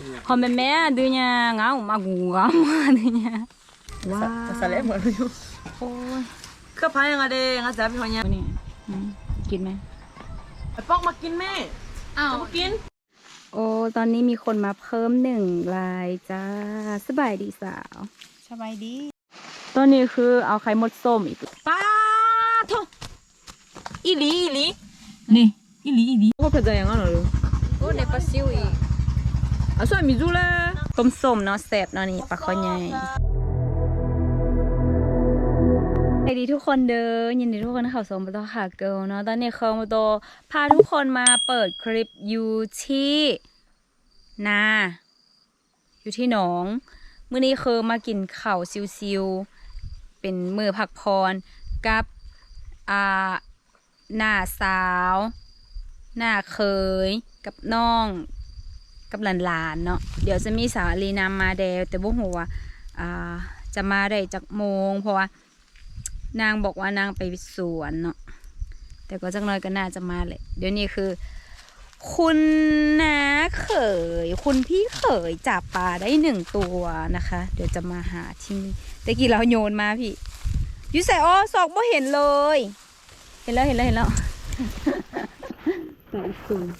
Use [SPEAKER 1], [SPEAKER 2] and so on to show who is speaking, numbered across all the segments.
[SPEAKER 1] Hôm mẹ đưa nhà ngáo mà gù gắm đưa nhà. Wow.
[SPEAKER 2] Sao lại mở luôn?
[SPEAKER 1] Ôi.
[SPEAKER 2] Cứ phải nga đây nga 잡이 하냐?
[SPEAKER 1] นี่กินไหม
[SPEAKER 2] ป๊อกมากินแม่อ้าวกิน
[SPEAKER 1] โอ้ตอนนี้มีคนมาเพิ่ม1 รายจ้าสบายดีสาว
[SPEAKER 2] สบายดี
[SPEAKER 1] ตอนนี้คือเอาไข่มดส้มอีก
[SPEAKER 2] ป้าทุอีหลีนี่อีหลีโอ้เผ็ดจังอ่ะเนาะโอ้ในปลาซิวอีอ่ะส่วนมีจูเลย
[SPEAKER 1] ต้มส้มเนาะแซ่บเนาะนี่ปลาข้อใหญ่สวัสดีทุกคนเด้อยินดีทุกคนเข้าสู่มาต่อค่ะเกิลเนาะตอนนี้เขามาโตพาทุกคนมาเปิดคลิปอยู่ที่นาอยู่ที่หนองมื้อนี้คือมากินข้าวซิวๆเป็นมื้อพักผ่อนกับหน้าสาวหน้าเคยกับน้องกับหลานๆเนาะเดี๋ยวจะมีสาวลีนำมาแดวแต่บ่ฮู้ว่าจะมาได้จักโมงเพราะว่านางบอกว่านางไปสวนเนาะแต่ก็จักหน่อยก็น่าจะมาแหละเดี๋ยวนี้คือคุณน้าเขยคุณพี่เขยจับปลาได้1 ตัวนะคะ เดี๋ยวจะมาหาที่นี่แต่กี้เราโยนมาพี่ยูใส่อ้อซอกบ่เห็นเลยเห็นแล้วใส่สูง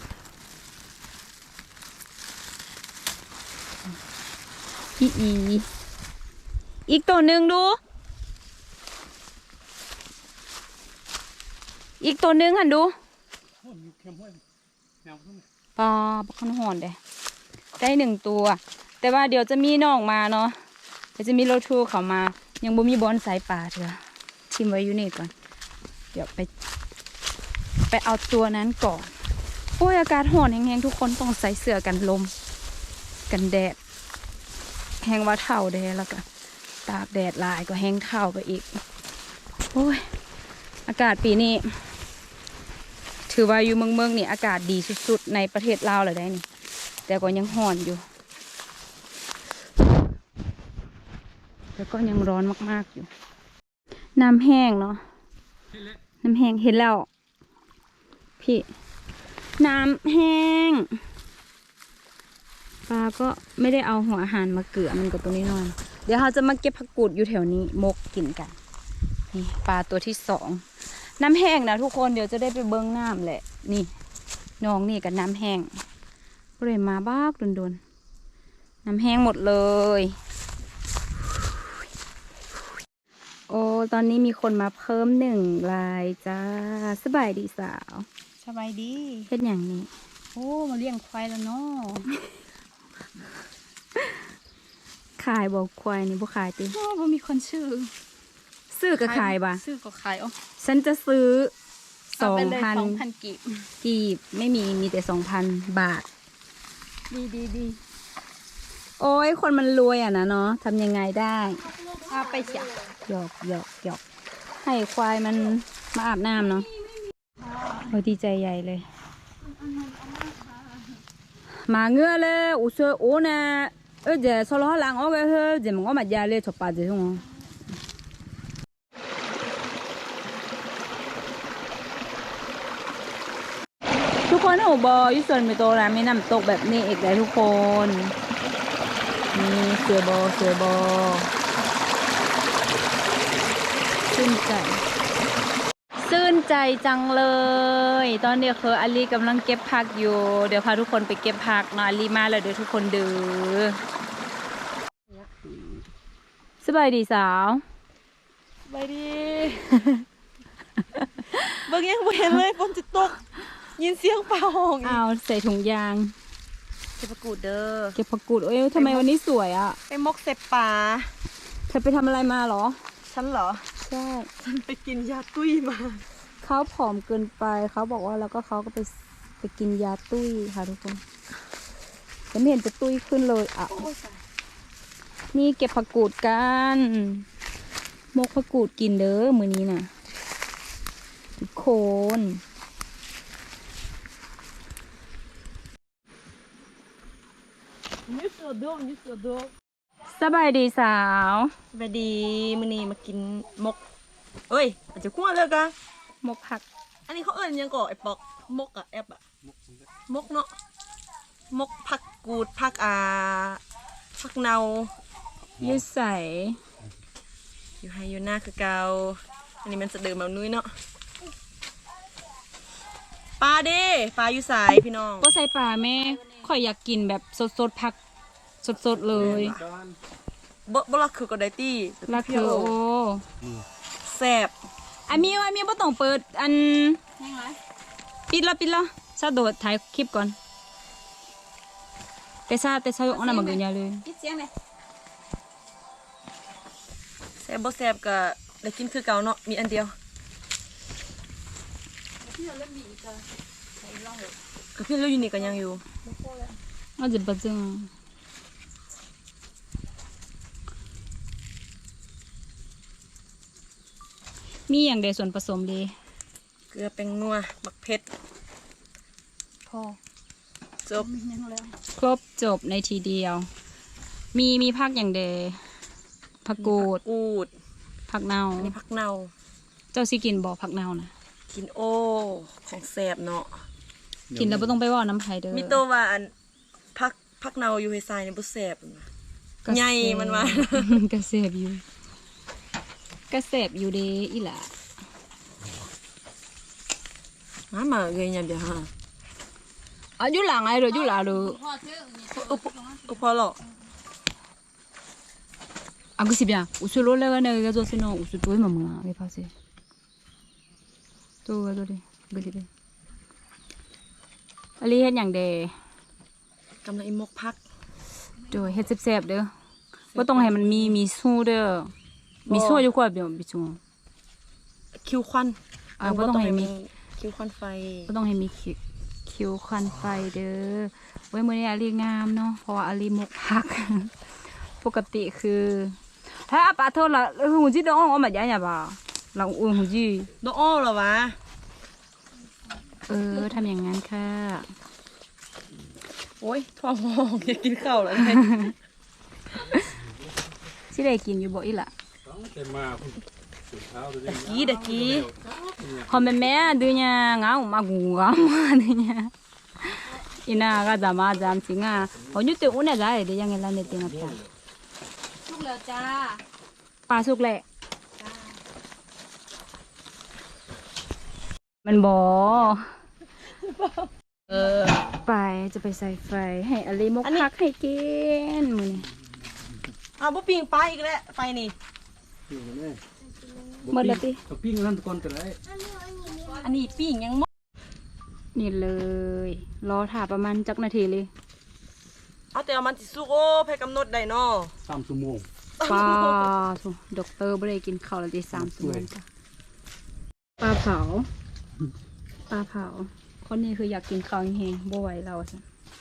[SPEAKER 1] พี่อีกตัวหนึ่งดูอีกตัวหนึ่งหันดูปลาบักขนหอนได้1 ตัวแต่ว่าเดี๋ยวจะมีน้องมาเนาะเดี๋ยวจะมีรถทัวร์เขามายังบ่มีบอลสายป่าเถอะชิมไว้อยู่นี่ก่อนเดี๋ยวไปเอาตัวนั้นก่อนโอ้ยอากาศร้อนแห้งๆทุกคนต้องใส่เสื้อกันลมกันแดดแห้งว่าเท่าแดดแล้วก็ตากแดดหลายก็แห้งเท่าไปอีกโอ้ยอากาศปีนี้ถือว่าอยู่เมืองนี่อากาศดีสุดๆในประเทศลาวเลยได้นี่แต่ก็ยังร้อนอยู่แล้วก็ยังร้อนมากๆอยู่น้ำแห้งเนาะน้ำแห้งเห็นแล้วพี่น้ำแห้งปลาก็ไม่ได้เอาหัวอาหารมาเกลือมันกับตรงนี้หน่อยเดี๋ยวเราจะมาเก็บผักกูดอยู่แถวนี้มกกินกันนี่ปลาตัวที่2น้ำแห้งนะทุกคนเดี๋ยวจะได้ไปเบิ้งน้ำแหละนี่น้องนี่กับน้ำแห้งก็เลยมาบ้าโดนน้ำแห้งหมดเลยโอ้ตอนนี้มีคนมาเพิ่ม1 รายจ้าสบายดีสาว
[SPEAKER 2] สบายดี
[SPEAKER 1] เฮ็ดอย่างนี้
[SPEAKER 2] โอ้มาเลี้ยงควายแล้วเนาะ
[SPEAKER 1] ขายบอกควายนี่บ่ขายติ
[SPEAKER 2] โอ้บ่มีคนชื่อ
[SPEAKER 1] ซื้อก็ขายบ่ะ
[SPEAKER 2] ซื้อก็ขายอ๋อ
[SPEAKER 1] ฉันจะซื้อ
[SPEAKER 2] เอาไปเลย
[SPEAKER 1] 2,000
[SPEAKER 2] 2,000กีบ
[SPEAKER 1] กีบไม่มีแต่ 2,000 บาท
[SPEAKER 2] ดี
[SPEAKER 1] โอ้ยคนมันรวยอ่ะนะเนาะทำยังไงได้
[SPEAKER 2] เอาไปเสีย
[SPEAKER 1] หยอกให้ควายมันมาอาบน้ำเนาะโอ้ดีใจใหญ่เลย มาเงือเลยอุซโอนะเดี๋ยวสโลหลังเอาไปเถอะเดี๋ยวมึงก็มาจ่ายเลยชอบปาเดี๋ยวทุกคนโอ้บอยุส่วนมีโตแล้วมีน้ำตกแบบนี้อีกเลยทุกคนนี่เสือบอชื่นใจจังเลยตอนเดียวคืออาลีกำลังเก็บผักอยู่เดี๋ยวพาทุกคนไปเก็บผักเนาะอาลีมาแล้วเดี๋ยวทุกคนดูสบายดีสาว
[SPEAKER 2] สบายดี เบิ่งยังบ่เห็นเลยฝนจะตกยินเสียงฟ้าห้องอีก
[SPEAKER 1] เอาใส่ถุงยาง
[SPEAKER 2] เก็บผักกูดเด้อ
[SPEAKER 1] เก็บผักกูดเอ้ยทำไมวันนี้สวยอ่ะ
[SPEAKER 2] ไปมกเสพป่า
[SPEAKER 1] เธอไปทำอะไรมาเหรอ
[SPEAKER 2] ฉันเหรอ
[SPEAKER 1] ใช่
[SPEAKER 2] ฉันไปกินยาตุ้ยมา
[SPEAKER 1] เขาผอมเกินไปเขาบอกว่าแล้วก็เขาก็ไปกินยาตุ้ยค่ะทุกคนแต่ไม่เห็นจะตุ้ยขึ้นเลยอ่ะนี่เก็บผักกูดกันมกผักกูดกินเด้อมื้อนี้น่ะทุกคนสบายดีสาว
[SPEAKER 2] สวัสดีมื้อนี้มากินมกเอ้ยอาจจะคั่วเลยกะ
[SPEAKER 1] มกผัก
[SPEAKER 2] อันนี้เขาเอิ้นยังก่อไอ้ปอกมกอะแอบอะมกเนาะมกผัก
[SPEAKER 3] กูดผักผักเนา
[SPEAKER 1] ยืดใส
[SPEAKER 3] อยู่ให้อยู่หน้าคือเกาอันนี้มันจะเดิมแบบนุ้ยเนาะปลาเด้ปลาอยู่สายพี่น้อง
[SPEAKER 1] ก็ใส่ปลาแม่ข่อยอยากกินแบบสดๆผักสดๆเลย
[SPEAKER 3] บ่ลักคือก็ได้ตี้
[SPEAKER 1] ลักคือโอ้
[SPEAKER 3] แซ่บ
[SPEAKER 1] อามีบ่ต้องเปิดอันปิดแล้วซาโดดถ่ายคลิปก่อนแต่ซาเอาอันนั้นมากินยาเลย
[SPEAKER 3] แซ่บบ่แซ่บก็ได้กินคือเก่าเนาะมีอันเดียวก็พี่เราอยู่นี่ก็ยังอยู่
[SPEAKER 1] เอาจะบัดจังมีอย่างใดส่วนผสมดี
[SPEAKER 3] เกลือแป้งนัวมักเผ็ด
[SPEAKER 1] พอ
[SPEAKER 3] จบ
[SPEAKER 1] ครบจบในทีเดียว มีผักอย่างใดผักกูด
[SPEAKER 3] กูด
[SPEAKER 1] ผักเน่า
[SPEAKER 3] อันนี้ผักเนา
[SPEAKER 1] เจ้าสิกินบ่ผักเน่านะ
[SPEAKER 3] กินโอของแสบเนาะ
[SPEAKER 1] กินแล้วบ่ต้องไปว่าน้ำไผเด้อ
[SPEAKER 3] มีโตว่าอันพักเนาอยู่ให้ทรายเนี่ยบ่แสบ
[SPEAKER 1] ก็
[SPEAKER 3] ใหญ่มันว่า
[SPEAKER 1] กระเสบอยู่กระเสบอยู่เด้อีหล่ะ
[SPEAKER 3] มาเลยยามเดียวฮะ
[SPEAKER 1] อ่ะอยู่หลังไอ้เด้ออยู่หลังเด้อ
[SPEAKER 3] พอหรอก
[SPEAKER 1] อ่ะก็สิbien uso lo le gana ga zo sino uso to ma ma ve pase to ga do de ga di de อันนี้เฮ็ดหยังเด้
[SPEAKER 3] กำลังอิมกพัก
[SPEAKER 1] โดยเฮ็ดแซ่บๆเด้อบ่ต้องให้มันมีสู้เด้อมีสู้อยู่กว่าเบียวบิจู
[SPEAKER 3] คิวควัน
[SPEAKER 1] บ่ต้องให้มี
[SPEAKER 3] คิวควันไฟ
[SPEAKER 1] บ่ต้องให้มีคิวควันไฟเด้อไว้มื้อนี้อาลีงามเนาะเพราะว่าอาลีหมกผัก ปกติคือถ้าปลาโทษละหูจีดองออกมาใหญ่ๆบ่าเราอุ่นหูจี
[SPEAKER 3] โดอ้อเหรอวะ
[SPEAKER 1] ทำอย่างนั้นค่ะ
[SPEAKER 3] โอ้ยท้องห้องอยากกินข้าวแล้วไง
[SPEAKER 1] สิได้กินอยู่บ่อีหล่ะ
[SPEAKER 3] ตะกี้
[SPEAKER 1] คอมแม่ดูเนี่ยงามากูงามาเนี่ยอีน่าก็จะมาจำสิงอ่ะเอาอยู่ตัวอุ่นได้เดี๋ยวยังไงล่ะเนี่ยติงอ่ะ
[SPEAKER 2] สุกแล้วจ้า
[SPEAKER 1] ปลาสุกแหละมันบ่ไปจะไปใส่ไฟให้อลีมกผักให้กินมื้อนี้
[SPEAKER 3] อ้าวบ่ปิ้งปลาอีกแล้วไฟนี่
[SPEAKER 1] หมดแล้วติ
[SPEAKER 4] ตัวปิ้งนั่นก่อนก็ได้
[SPEAKER 3] อันนี้ปิ้งยังหมด
[SPEAKER 1] นี่เลย รอถ่าประมาณจักนาทีเลย
[SPEAKER 3] เอาแต่เอามันสิสุกโอ้แพ้กำหนดได้เนาะ
[SPEAKER 4] 3 ชั่วโมง
[SPEAKER 1] ปลาสุด็อกเตอร์ไม่ได้กินข้าวแล้วตี3 ชั่วโมงจ้ะปลาเผาคนนี้คืออยากกินข้าวแห้งๆบ่ไหวเราสิ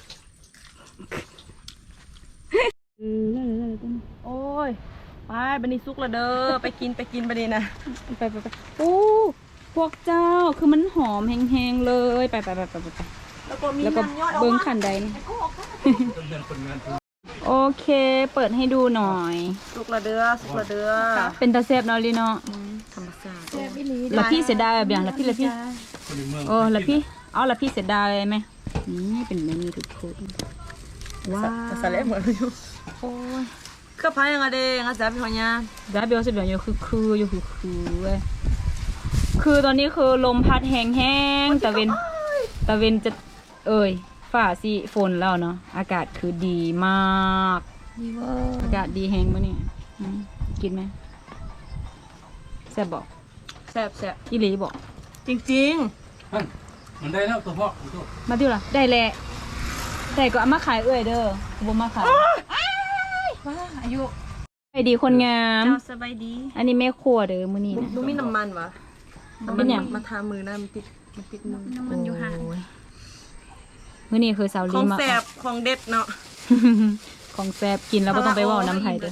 [SPEAKER 3] โอ้ยไปบันนี้สุกแล้วเด้อไปกินบันนี้นะ
[SPEAKER 1] ไปโอ้พวกเจ้าคือมันหอมแห้งๆเลยไป
[SPEAKER 3] แล้วก็มี
[SPEAKER 1] แล้วก็
[SPEAKER 3] น้ำยอดออก
[SPEAKER 1] เบิ้ง
[SPEAKER 3] มา
[SPEAKER 1] ขันใดนี่
[SPEAKER 4] เดือนคนงาน
[SPEAKER 1] โอเค เปิดให้ดูหน่อย
[SPEAKER 3] สุกแล้วเด้อ
[SPEAKER 1] เป็นตาแซ่บเนาะลีเนาะ
[SPEAKER 3] ธรรมชาติ
[SPEAKER 1] แล้วพี่เสียดายแบบอย่างละพี่
[SPEAKER 4] คนในเมือง
[SPEAKER 1] โอ้แล้วพี่เอาละพี่เสียดายไหมนี่เป็นแบบนี้ทุกคนว้าว
[SPEAKER 3] สาเล่เหมือนอยู่
[SPEAKER 1] โอ้ย
[SPEAKER 3] ก็พายังไงเด้งอาจารย์พี่พญา
[SPEAKER 1] ดาเบลเสียแบบอยู่คือเว้ยคือตอนนี้คือลมพัดแห้งๆตะเวนจะฝ่าสิฝนแล้วเนาะอากาศคือดีมากอากาศดีแห้งมั้เนี่ยกินไหมแซ่บบอก
[SPEAKER 3] แซ่บ
[SPEAKER 1] อีหลีบอก
[SPEAKER 3] จริง
[SPEAKER 4] มันได้แล้วตัวพ่อ
[SPEAKER 1] มาดิวล่ะได้แหละได้ก็เอามาขายเด้อบ่มาขาย
[SPEAKER 3] ๆว้าอายุ
[SPEAKER 1] ไปดีคนงาม
[SPEAKER 3] เจ้าสบายดี
[SPEAKER 1] อันนี้แม่ครัวเด้อมื้อนี้นะ
[SPEAKER 3] ดูมีน้ำมันวะ
[SPEAKER 1] เป็นหยัง
[SPEAKER 3] มาทามือนะมันติดมือ
[SPEAKER 1] น้ำมันอยู่ห่างมื้อนี้คือสาว
[SPEAKER 3] ข
[SPEAKER 1] ลี
[SPEAKER 3] อง
[SPEAKER 1] มา
[SPEAKER 3] แซ่บของเด็ดเนาะ
[SPEAKER 1] ของแซ่บกินแล้วบ่ต้องไปเว้าน้ำไผเด้อ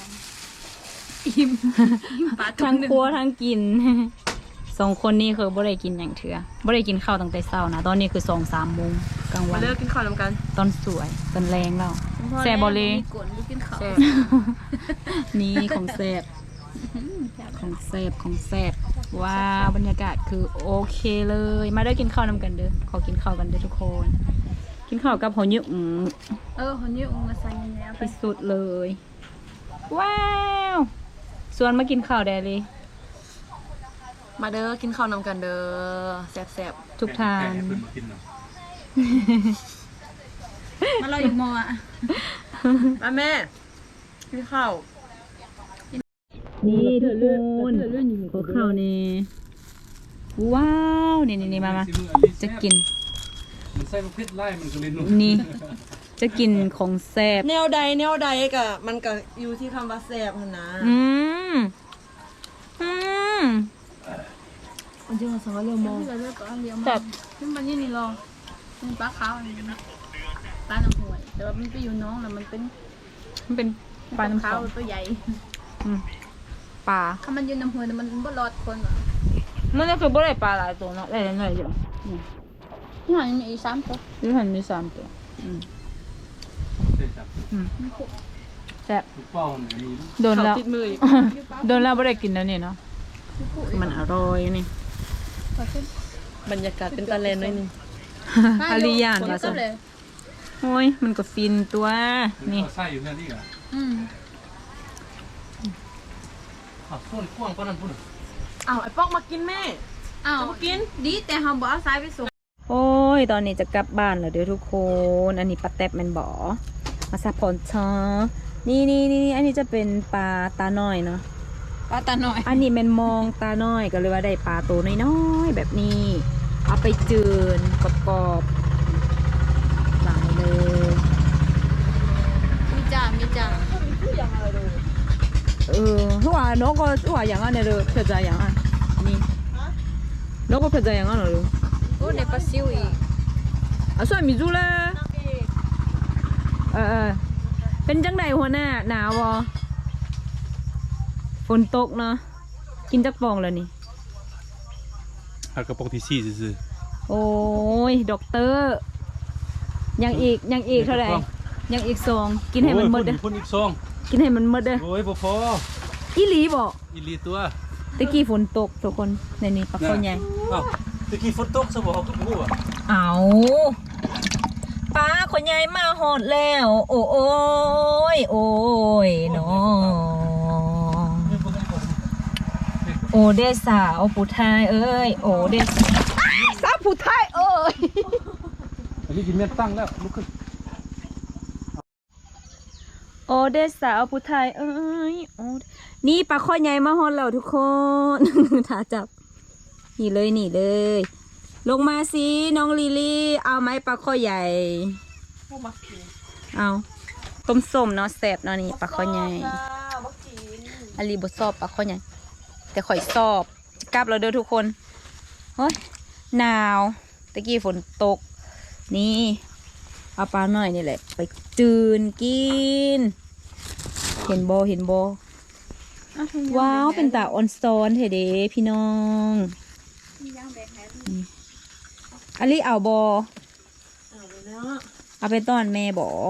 [SPEAKER 2] ปลา
[SPEAKER 1] ทั้งครัวทั้งกิน 2 คนนี้คือบ่ได้กินหยังเถื่อบ่ได้กินข้าวตั้งแต่เช้านะตอนนี้คือ 2-3 โมงกลางวั
[SPEAKER 3] มาน เลิกกินข้าวนำกัน
[SPEAKER 1] ตอนสวยตอนแรงแล้วแซ่บบ่เลย
[SPEAKER 2] กวนลูกกินข้าว
[SPEAKER 3] แซ่บ
[SPEAKER 1] นี่ของแซ่บว้าวบรรยากาศคือโอเคเลย มาได้กินข้าวนำกันเด้อขอกินข้าวกันเด้อทุกคนกินข้าวกับหอยยุก
[SPEAKER 5] คนนี้อุ้งมาใส่แล้วไป
[SPEAKER 1] ที่สุดเลย ว้าวส่วนมากินข้าวแดเลย
[SPEAKER 3] มาเด้อกินข้าวนำกันเด้อแซ่บ
[SPEAKER 1] ทุกทาน
[SPEAKER 4] แค่เพิ่นมากินเนาะ
[SPEAKER 5] มาเราอยู่มออ่ะ
[SPEAKER 3] ๆมาแม่กินข้าว
[SPEAKER 1] นี่ทุกคนขอข้าวนี่ว้าวนี่มาจะกิน
[SPEAKER 4] มันใส่ลูกเพชรไล่มันก็เลยนุ่ม
[SPEAKER 1] นี่ จะกินของแซ่บ
[SPEAKER 3] แนวใดก็มันก็อยู่ที่คำว่าแซ่บหั่นนะ
[SPEAKER 1] อืม
[SPEAKER 3] มันจะมาสังเรื่องมอง
[SPEAKER 5] ที่เราเลือกก็เลี้ยง
[SPEAKER 1] แซ่บ
[SPEAKER 5] ซึ่งมันนี่นี่รอเป็นปลาขาวอันนี้นะปลาหนังหวยแต่ว่ามันไปอยู่น้องแล้วมันเป็น
[SPEAKER 1] มันเป็นปลาน้ำ
[SPEAKER 5] ขาว
[SPEAKER 1] ขาว
[SPEAKER 5] ตัวใหญ่
[SPEAKER 1] ปลา
[SPEAKER 5] ถ้ามันอยู่น้ำหวยมันบ่รอดคนหรอก
[SPEAKER 1] มันก็คือบ่ได้ปลาหลายตัวเนาะได้หน่อยเดียว
[SPEAKER 5] ที่หอยมีอีก3 ตัว
[SPEAKER 1] หรือหันมี3ตัว
[SPEAKER 4] ใส่จับ
[SPEAKER 1] แซ่บ
[SPEAKER 4] ลูกเป้าเนี่ยมี
[SPEAKER 1] โดนแล้ว
[SPEAKER 3] ติดมืออีก
[SPEAKER 1] โดนแล้วไม่ได้กินแล้วนี่เนาะ มันอร่อยนี่
[SPEAKER 3] บรรยากาศเป็นตาแลนหน่อยหนึง
[SPEAKER 1] อาริยาน
[SPEAKER 5] ค
[SPEAKER 1] ว่าน
[SPEAKER 5] ก็
[SPEAKER 1] สิ
[SPEAKER 5] เลย
[SPEAKER 1] โอ้ย มันก็ฟินตัว นี่
[SPEAKER 4] เอาไส้อยู่นั่นนี่อ่ะ
[SPEAKER 5] อืม
[SPEAKER 4] อ้าวพุ่นกว้างกว่านั้นพุ่น
[SPEAKER 3] อ้าวไอ้ป๊อกมากินแม่
[SPEAKER 5] อ้าวกินดีแต่เฮาบ่เอาสายไปส่ง
[SPEAKER 1] โอ้ย ตอนนี้จะกลับบ้านแล้วเด้อทุกคน อันนี้ปลาแตบแมันบ่มาซับพอนชอนี่อันนี้จะเป็นปลาตาน้อยเนาะ
[SPEAKER 5] ปลาตาหน่อย
[SPEAKER 1] อันนี้แมันมองตาน้อยก็เลยว่าได้ปลาตัวน้อยๆแบบนี้ เอาไปจืนกรอบๆหลายเลย
[SPEAKER 5] มีจ้า
[SPEAKER 1] หัวน้องก็หัวอย่างอันเนี่ยเลยเพื่อจะอย่างอันนี่น้องก็เพื่อจะอย่างอันเลย
[SPEAKER 5] โอ้ในปลาซิวอีก
[SPEAKER 1] อ่ะส่วนมีจูเลยเป็นจังใดหัวหน้าหนาวบ่ฝนตกเนาะกินจักฟองแล้วนี่
[SPEAKER 4] หักกระป๋องที่ซี่ซื่อ
[SPEAKER 1] โอ้ยด็อกเตอร์ยังอีกเท่าไหร่ยังอีกซองกินให้มันหมดเด้อ
[SPEAKER 4] พุ่นอีกซอง
[SPEAKER 1] กินให้มันหมดเด้อ
[SPEAKER 4] โอ้ยบ่พอ
[SPEAKER 1] อีหลีบ่
[SPEAKER 4] อีหลีตัว
[SPEAKER 1] ตะกี้ฝนตกทุกคนในนี้ปลาข้าวใหญ่
[SPEAKER 4] อ้าวตะกี้ฝนตกซะบ่เอาขึ้นบ่อ่ะ
[SPEAKER 1] เอาปลาคนใหญ่มาหอดแล้ว โอ้ยเนาะโอเดสาวผู้ไทยเอ้ยโอเดสาวผู้ไทยเอ้ย
[SPEAKER 4] อันนี้กินแม่นตั้งแล้วลุกขึ้น
[SPEAKER 1] โอเดสาวผู้ไทยเอ้ยนี่ปลาข้อใหญ่มาหอดแล้วทุกคน ถ้าจับนี่เลยลงมาสิน้องลิลี่เอาไหมปลาข้อใหญ่เอาต้มส้มเนาะแซ่บเนาะนี่ปลาข้อใหญ่อลีบชอบปลาข้อใหญ่แต่ข่อยชอบจะกลับแล้วเด้อทุกคนเฮ้ยหนาวตะกี้ฝนตกนี่เอาปลาหน่อยนี่แหละไปจืนกินเห็นโบว้าวเป็นตาออนซอนเถเด้พี่น้องอลีเอาบอเอาไปต้อนแม่บอ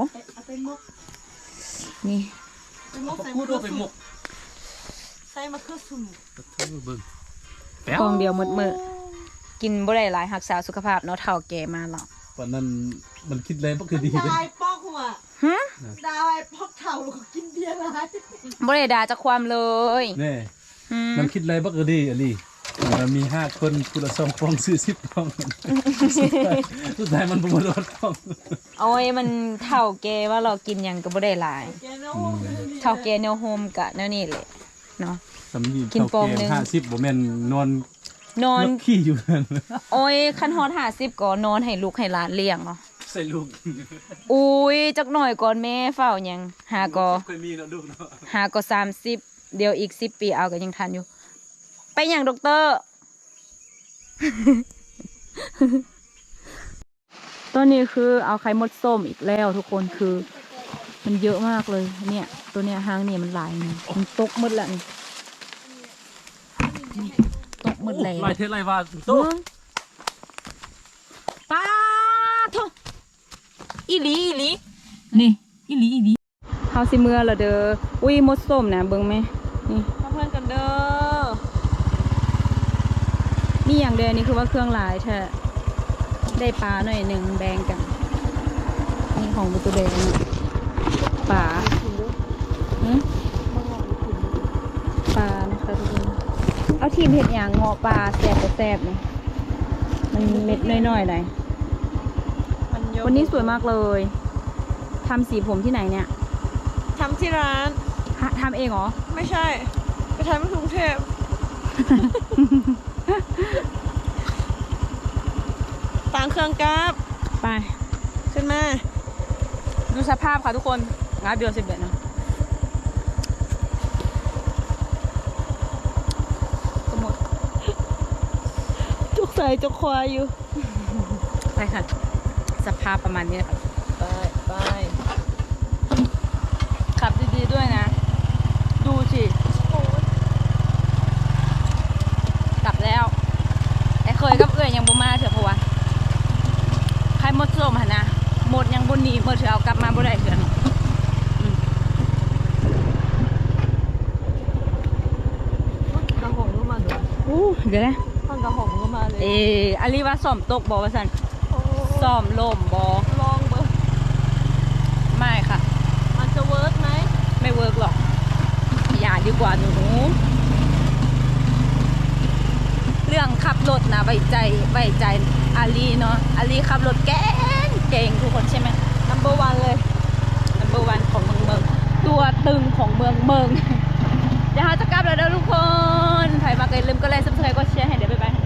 [SPEAKER 1] นี่
[SPEAKER 4] พูดว่าไปหมก
[SPEAKER 3] ใส่มะเขือสุ่ม
[SPEAKER 4] เธอเบิ่ง
[SPEAKER 1] กองเดียวมืดกินบ่ได้หลายรักษาสุขภาพเนาะเท่าแก่มาหรอก
[SPEAKER 4] วันนั้นมันคิดเลยบ่คือดี
[SPEAKER 3] ดาวไอ้ป๊อกหัว
[SPEAKER 1] ฮะ
[SPEAKER 3] ดาวไอ้ป๊อกเถ่าแล้วก็กินเบียร์ไร
[SPEAKER 1] บ่ได้ด่าจากความเลย
[SPEAKER 4] แน่
[SPEAKER 1] อืม
[SPEAKER 4] มันคิดอะไรบ่คือดีอันนี้มันมี5คนคนละ2ฟองซื้อ10ฟองสุดท้ายมันบ่หมดรถฟอง
[SPEAKER 1] โอ้ยมันเท่าแก่ว่าเรากินหยังก็บ่ได้หลาย เท่าแก่แนวโฮมกะแนวนี้แหละเนาะ
[SPEAKER 4] สำนี
[SPEAKER 1] กินฟองหนึ่ง
[SPEAKER 4] 50บ่แม่นนอน
[SPEAKER 1] นอน
[SPEAKER 4] เลือกขี้อยู่นั่น
[SPEAKER 1] โอ้ยคันฮอด50ก็นอนให้ลูกให้หลานเลี้ยงเนาะ
[SPEAKER 4] ใส่ลูก
[SPEAKER 1] อุ้ยจักหน่อยก่อนแม่เฝ้าหยังหาก็
[SPEAKER 4] เคยมีเนาะลูกเนาะ
[SPEAKER 1] หาก็30เดี๋ยวอีก10 ปีเอาก็ยังทันอยู่ ไปหยังด็อกเตอร์ ตอนนี้คือเอาไข่มดส้มอีกแล้วทุกคนคือ มันเยอะมากเลยเนี่ย ตัวเนี้ยหางเนี่ยมันหลายนี่มันตกหมดละนี่ตกหมดแล้ว
[SPEAKER 4] ลายเทศลายว่าโต
[SPEAKER 1] เบิ่งป้าโทอีหลีนี่อีหลีเฮาสิเมื่อละเด้ออุ้ยมดส้มนะเบิ่งไหมนี่
[SPEAKER 3] เพื่อนกันเด้อ
[SPEAKER 1] มีอย่างเดียวนี่คือว่าเครื่องหลายแท้ได้ปลาหน่อยหนึ่งแบ่งกันนี่ของประตูแดงป่าหืมปลานะคะทุกคนเอาทีมเห็ดอย่างเงาะปลาแซ่บก็แซ่บนี่มันเม็ดน้อยๆหน่อย
[SPEAKER 3] มันเยอะ
[SPEAKER 1] วันนี้สวยมากเลยทำสีผมที่ไหนเนี่ย
[SPEAKER 3] ทำที่ร้าน
[SPEAKER 1] ทำเองเหรอ
[SPEAKER 3] ไม่ใช่ ไปทำที่กรุงเทพ ต่างเครื่องกราฟ
[SPEAKER 1] ไป
[SPEAKER 3] ขึ้นมา
[SPEAKER 1] ดูสภาพค่ะทุกคนงาเบียว11นะก็หมด
[SPEAKER 3] จุกใส่จุกควายอยู่
[SPEAKER 1] ไปค่ะ สภาพประมาณนี้นะคะ
[SPEAKER 3] ไปไป
[SPEAKER 1] ขับดีๆด้วยนะ ดูสิกลับแล้ว ไอ้เคยกับเอื้อยยังบ่มาเถอะเพราะว่าใครหมดส้มหนนะหมดยังบนหนีเมื่อเถอะเอากลับมาบ่ได้เถอะ
[SPEAKER 3] กระหงก็มาด้วย
[SPEAKER 1] อู้เดี๋ยวนะ
[SPEAKER 3] ท่อนกระหงก็มาเลย
[SPEAKER 1] อาลีว่าซ่อมตกบอว่าสัน
[SPEAKER 3] โอ้
[SPEAKER 1] ซ่อมลมบอ
[SPEAKER 3] ลองเบอร์
[SPEAKER 1] ไม่ค่ะ
[SPEAKER 3] มันจะเวิร์กไหม
[SPEAKER 1] ไม่เวิร์กหรอก อย่าดีกว่าหนู เรื่องขับรถนะไว้ใจอาลีเนาะอาลีขับรถเก่งทุกคนใช่ไหม
[SPEAKER 3] number one เลย
[SPEAKER 1] number one ของเมืองตัวตึงของเมือง เดี๋ยวเราจะกลับแล้วนะทุกคนใครมาก็อย่าลืมก็ไลค์ subscribe ก็แชร์ให้เดี๋ยวบ๊ายบาย